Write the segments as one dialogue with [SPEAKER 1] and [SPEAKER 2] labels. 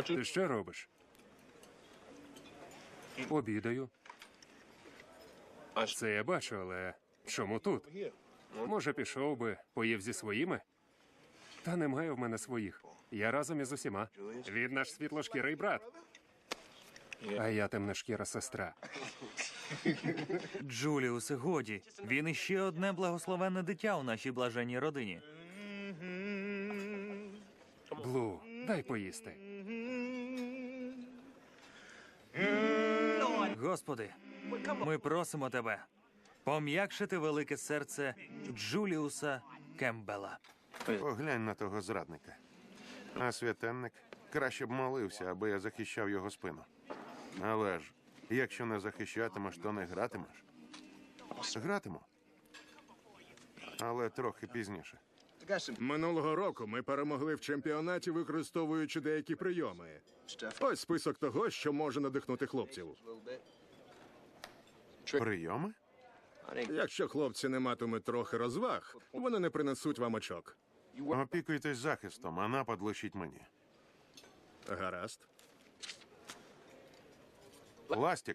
[SPEAKER 1] Ти що робиш? Обідаю. Це я бачу, але чому тут? Може, пішов би, поїв зі своїми? Та немає в мене своїх. Я разом із усіма. Він наш світлошкірий брат. А я темношкіра сестра.
[SPEAKER 2] Джуліусе, годі. Він іще одне благословенне дитя у нашій блаженній родині.
[SPEAKER 1] Блу, дай поїсти.
[SPEAKER 2] Господи, ми просимо тебе пом'якшити велике серце Джуліуса Кембела.
[SPEAKER 3] Поглянь на того зрадника. А святенник краще б молився, аби я захищав його спину. Але ж, якщо не захищатимеш, то не гратимеш. Гратиму. Але трохи пізніше.
[SPEAKER 4] Минулого року ми перемогли в чемпіонаті, використовуючи деякі прийоми. Ось список того, що може надихнути хлопців.
[SPEAKER 3] Прийоми?
[SPEAKER 4] Якщо хлопці не матимуть трохи розваг, вони не принесуть вам очок.
[SPEAKER 3] Опікуйтесь захистом, а напад лишіть мені.
[SPEAKER 4] Гаразд.
[SPEAKER 3] Ластік.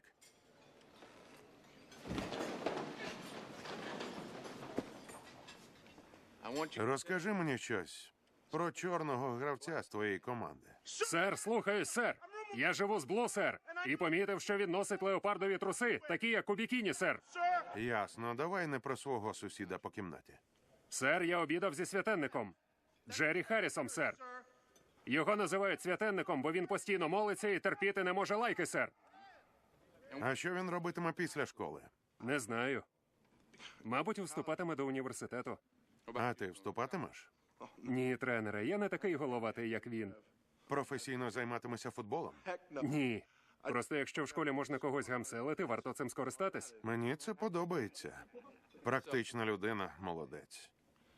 [SPEAKER 3] Розкажи мені щось про чорного гравця з твоєї команди.
[SPEAKER 1] Сер, слухаюсь, сер. Я живу з Блу, сер. І помітив, що він носить леопардові труси, такі як у бікіні, сер.
[SPEAKER 3] Ясно, давай не про свого сусіда по кімнаті.
[SPEAKER 1] Сер, я обідав зі святенником. Джері Харрісом, сер. Його називають святенником, бо він постійно молиться і терпіти не може лайки, сер.
[SPEAKER 3] А що він робитиме після школи?
[SPEAKER 1] Не знаю. Мабуть, вступатиме до університету.
[SPEAKER 3] А ти вступатимеш?
[SPEAKER 1] Ні, тренере, я не такий головатий, як він.
[SPEAKER 3] Професійно займатимешся футболом?
[SPEAKER 1] Ні. Просто якщо в школі можна когось гамселити, варто цим скористатись.
[SPEAKER 3] Мені це подобається. Практична людина, молодець.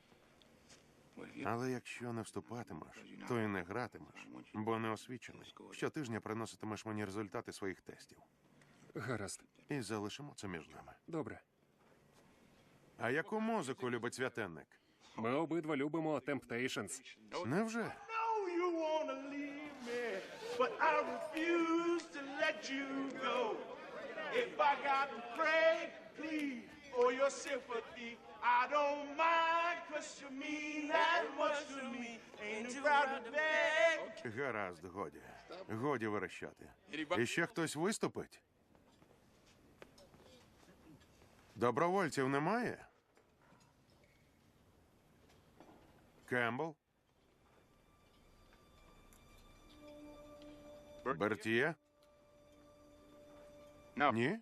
[SPEAKER 3] Але якщо не вступатимеш, то і не гратимеш, бо не освічений. Щотижня приноситимеш мені результати своїх тестів.
[SPEAKER 1] Гаразд.
[SPEAKER 3] І залишимо це між нами.
[SPEAKER 1] Добре.
[SPEAKER 3] А яку музику любить святенник?
[SPEAKER 1] Ми обидва любимо Temptations.
[SPEAKER 3] Невже?
[SPEAKER 5] know you wanna leave me, but I refuse to let you go. If I got to pray, plead for your sympathy, I don't mind, 'cause you mean that much to me. Ain't too proud to beg.
[SPEAKER 3] Гаразд, годі. Годі верещати. І ще хтось виступить? Добровольців немає? Кембл? Бертіє? Ні?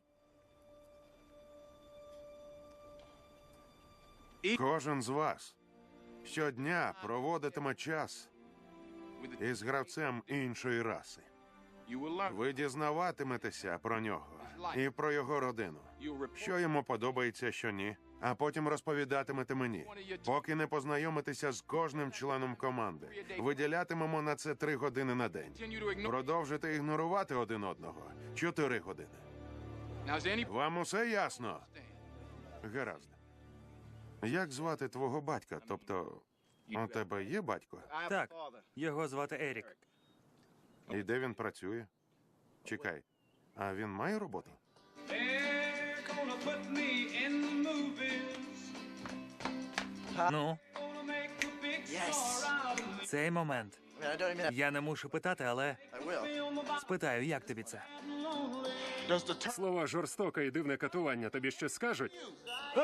[SPEAKER 3] Кожен з вас щодня проводитиме час із гравцем іншої раси. Ви дізнаватиметеся про нього і про його родину. Що йому подобається, що ні. А потім розповідатимете мені, поки не познайомитеся з кожним членом команди. Виділятимемо на це 3 години на день. Продовжите ігнорувати один одного 4 години. Вам усе ясно? Гаразд. Як звати твого батька? Тобто, у тебе є батько?
[SPEAKER 2] Так, його звати Ерік.
[SPEAKER 3] І де він працює? Чекай, а він має роботу?
[SPEAKER 6] They're gonna put me in the movies.
[SPEAKER 2] Ну,
[SPEAKER 6] Gonna make a big star out of me.
[SPEAKER 2] цей момент. Я не мушу питати, але спитаю, як тобі це?
[SPEAKER 1] Слова жорстоке і дивне катування тобі щось скажуть?